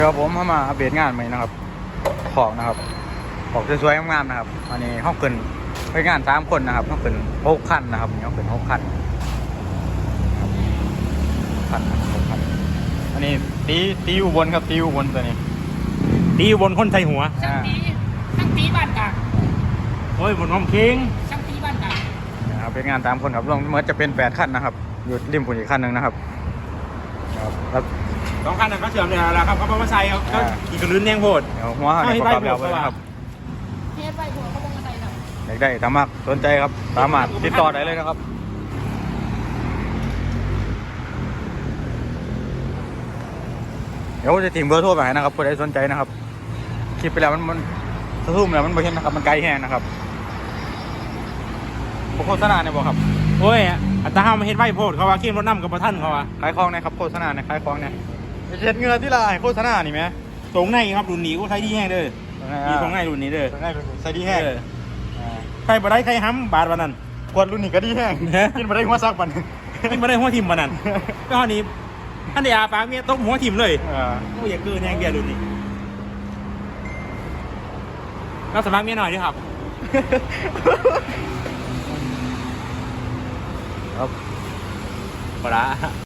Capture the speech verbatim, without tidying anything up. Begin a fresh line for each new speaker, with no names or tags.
ครับผมมาอัปเดตงานใหม่นะครับของนะครับของสวยๆงามๆนะครับอันนี้ห้องเกินไปงานสามคนนะครับห้องเกินหกขั้นนะครับห้องเกินหกขั้นขั้นหกขั้นอันนี้ตีตีอุบลครับตีอุบลตัวนี้
ตีบนคนไทยหัว
ช่างตีช่างตีบ้านกลาง
โอ้ยบนห้องคิง
ช่างตีบ้านกลาง
นะครับเป็นงานสามคนครับรวมเมื่อจะเป็นแปดขั้นนะครับอยู่ริมฝุ่นอีกขั้นหนึ่งนะครับครับ
สองคันนั้นก็เสื่อมเลยแล้วครับเขาบอกว่าใส่เขาเขาขี่กระลื้นแนงโหด
เดี๋ยวหัวเขาเนี่ยประกอบแล้วไว้นะครับ
เฮ็ดไปหัวเขาลงกันไดน่ะ
อยากได้สามารถสนใจครับสามารถติดต่อได้เลยนะครับเดี๋ยวจะทิ้งเบอร์โทรไปให้นะครับผู้ใดสนใจนะครับคลิปไปแล้วมันมันสะทุ่มแล้วมันไม่เห็นนะครับมันไกลแห้งนะครับโฆษณาเนี่ยบอกครับ
โอ้ยอัตราห้ามาเฮ็ดไว้โพดเขาว่าเข้มรถน้ำกับประท่านเขาว่า
ขายของนะครับโฆษณาเนี่ยขายของเนี่ยเช็ดเงือที่ละโฆษณานี่ไหม
ตรงในครับรุ่นนี้ก็ใช้ที่แห้งเด้อมีตรงในรุ่นนี้เด้อ
ได้ใส่ดีแห้ง
ใครบ่ได้ใครห้ำบาทวันนั้น
กวดรุ่นนี้ก็ดีแห้งกินมาได้หัวซักปัน
ไม่บ่ได้หัวทิมวันนั้นก็อันนี้ท่านเดียปากเมียตบหัวทิมเลย
เออ
โอ้ยอย่าเกินแห้งเบียร์รุ่นนี้ก็สมัครเมียหน่อยดิครับ
ครับ
ปลา